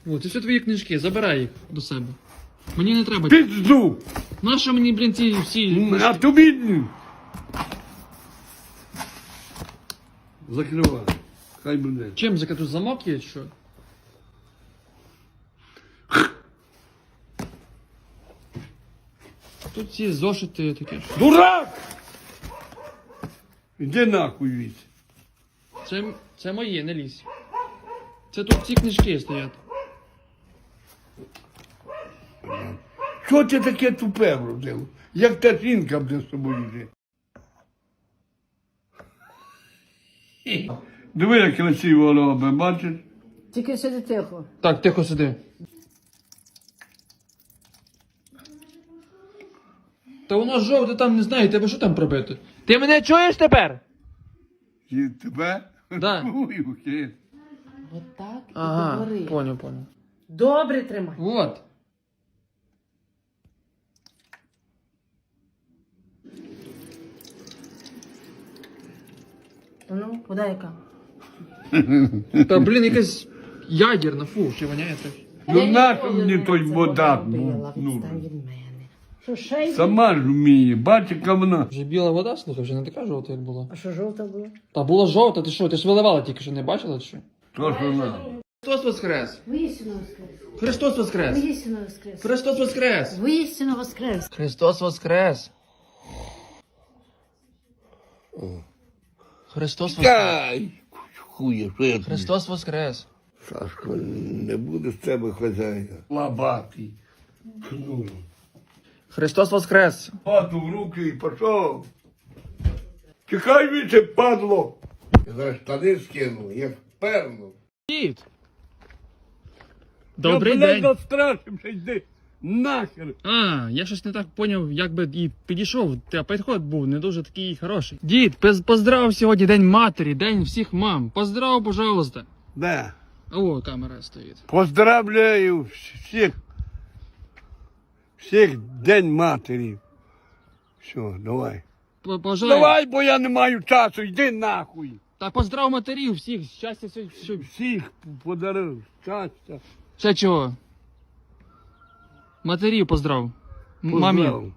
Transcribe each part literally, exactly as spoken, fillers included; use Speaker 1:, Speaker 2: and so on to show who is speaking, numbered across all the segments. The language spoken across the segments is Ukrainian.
Speaker 1: О, це все твої книжки, забирай їх до себе. Мені не треба.
Speaker 2: Пизду!
Speaker 1: Нащо мені, блін, ці всі...
Speaker 2: А тобі... Закривай. Хай буде.
Speaker 1: Чим закату замок є, чи що? Тут ці зошити таке.
Speaker 2: Дурак! Іди нахуй від.
Speaker 1: Це, це моє, не лізь. Це тут ці книжки стоять.
Speaker 2: Що ти таке тупе вродив? Як та жінка буде з тобою жити? Диви, як красиво робить, бачиш?
Speaker 3: Тільки сиди тихо.
Speaker 1: Так, тихо сиди. Та воно жовте там, не знаю, тебе що там пробити? Ти мене чуєш тепер?
Speaker 2: І тебе?
Speaker 1: Да.
Speaker 2: Ой, окей.
Speaker 3: Отак і
Speaker 1: Ага,
Speaker 3: говори.
Speaker 1: понял, понял.
Speaker 3: Добре тримай.
Speaker 1: Вот.
Speaker 3: Ну, вода яка?
Speaker 1: Та, блін, якась ядерна, фу, ще воняє так.
Speaker 2: Ну нащо мені той
Speaker 3: Це
Speaker 2: вода?
Speaker 3: робила,
Speaker 2: Ну,
Speaker 3: відстань від мене. Що, ще й?
Speaker 2: сама ж вміє, бачиш, яка вона.
Speaker 1: Вже біла вода, слухай, вже не така жовта, як була.
Speaker 3: А що жовта була?
Speaker 1: Та була жовта, ти що, ти ж виливала тільки що, не бачила, чи що?
Speaker 2: То ж вона.
Speaker 1: Христос воскрес!
Speaker 3: Воістину воскрес.
Speaker 1: Христос воскрес!
Speaker 3: Воістину воскрес.
Speaker 1: Христос воскрес!
Speaker 3: Воістину воскрес.
Speaker 1: Христос воскрес! Христос воскрес!
Speaker 2: Кай! Хує, що я тобі?
Speaker 1: Христос воскрес!
Speaker 2: Сашко, не буде з тебе хазяїна. Лабатий. Ну.
Speaker 1: Христос воскрес!
Speaker 2: Хату в руки і пішов. Чекай віче, падло. Я зараз штани скину, як перну.
Speaker 1: Дід! Добрий
Speaker 2: Я, блядь,
Speaker 1: день!
Speaker 2: настрашився, йди нахер.
Speaker 1: А, я щось не так поняв, як би і підійшов, та підход був не дуже такий хороший. Дід, пиз- поздрав сьогодні День матері, День всіх мам. Поздрав, пожалуйста.
Speaker 2: Да.
Speaker 1: О, камера стоїть.
Speaker 2: Поздравляю всіх. Всіх День матері. Все, давай.
Speaker 1: П- Пожалуйста.
Speaker 2: Давай, бо я не маю часу, йди нахуй.
Speaker 1: Та поздрав матерів всіх, щастя, все, все.
Speaker 2: Всіх подарив щастя.
Speaker 1: Ще чого? Матерів поздрав. М-
Speaker 2: Поздрав.
Speaker 1: Мамі.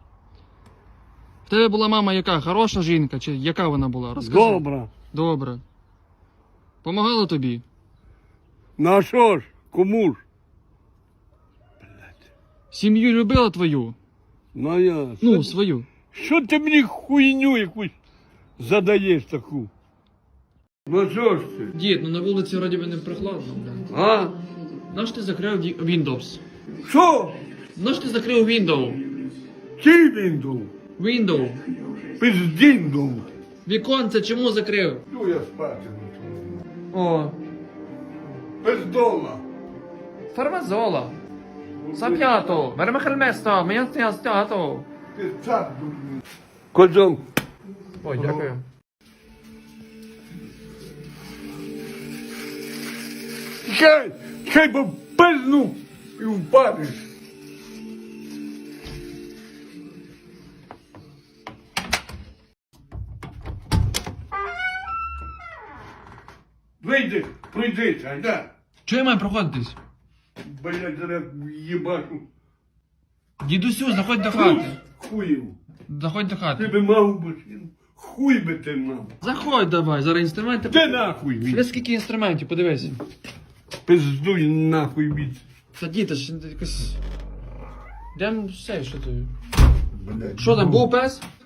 Speaker 1: В тебе була мама яка? Хороша жінка? Чи яка вона була? Розкажи.
Speaker 2: Добре.
Speaker 1: Добре. Помагала тобі?
Speaker 2: Ну а що ж, кому ж?
Speaker 1: Сім'ю любила твою?
Speaker 2: Ну я.
Speaker 1: Ну, свою.
Speaker 2: Що ти мені хуйню якусь задаєш таку? Ну що ж ти?
Speaker 1: Дід, ну на вулиці вроді би не прохладно, блин.
Speaker 2: А?
Speaker 1: Наш ти закрив ді- Windows?
Speaker 2: Що?
Speaker 1: Наш ти закрив Windows?
Speaker 2: Чий він дув?
Speaker 1: Windows.
Speaker 2: Пиздін дув.
Speaker 1: Віконце чому закрив?
Speaker 2: Ну я спати.
Speaker 1: О,
Speaker 2: Пиздола.
Speaker 1: фармазола. Сап'ято, вермехельместо, мене стято.
Speaker 2: Ти цар дурний. Козом.
Speaker 1: Ой, дякую.
Speaker 2: Чай, чай бо пизну і впадеш. Вийди, прийди, чай, да.
Speaker 1: Чого я маю проходитись?
Speaker 2: Блядь, зараз їбашу.
Speaker 1: Дідусю, заходь до хати.
Speaker 2: Хуїв.
Speaker 1: Заходь до
Speaker 2: Ти
Speaker 1: хати.
Speaker 2: би мав машину. Хуй би ти мав.
Speaker 1: Заходь давай, зараз інструменти.
Speaker 2: Де нахуй
Speaker 1: Ще
Speaker 2: від?
Speaker 1: скільки інструментів, подивись.
Speaker 2: Пиздуй нахуй від.
Speaker 1: Та діти ж якось... Йдем все, що ти.
Speaker 2: Блядь.
Speaker 1: Що там, був пес?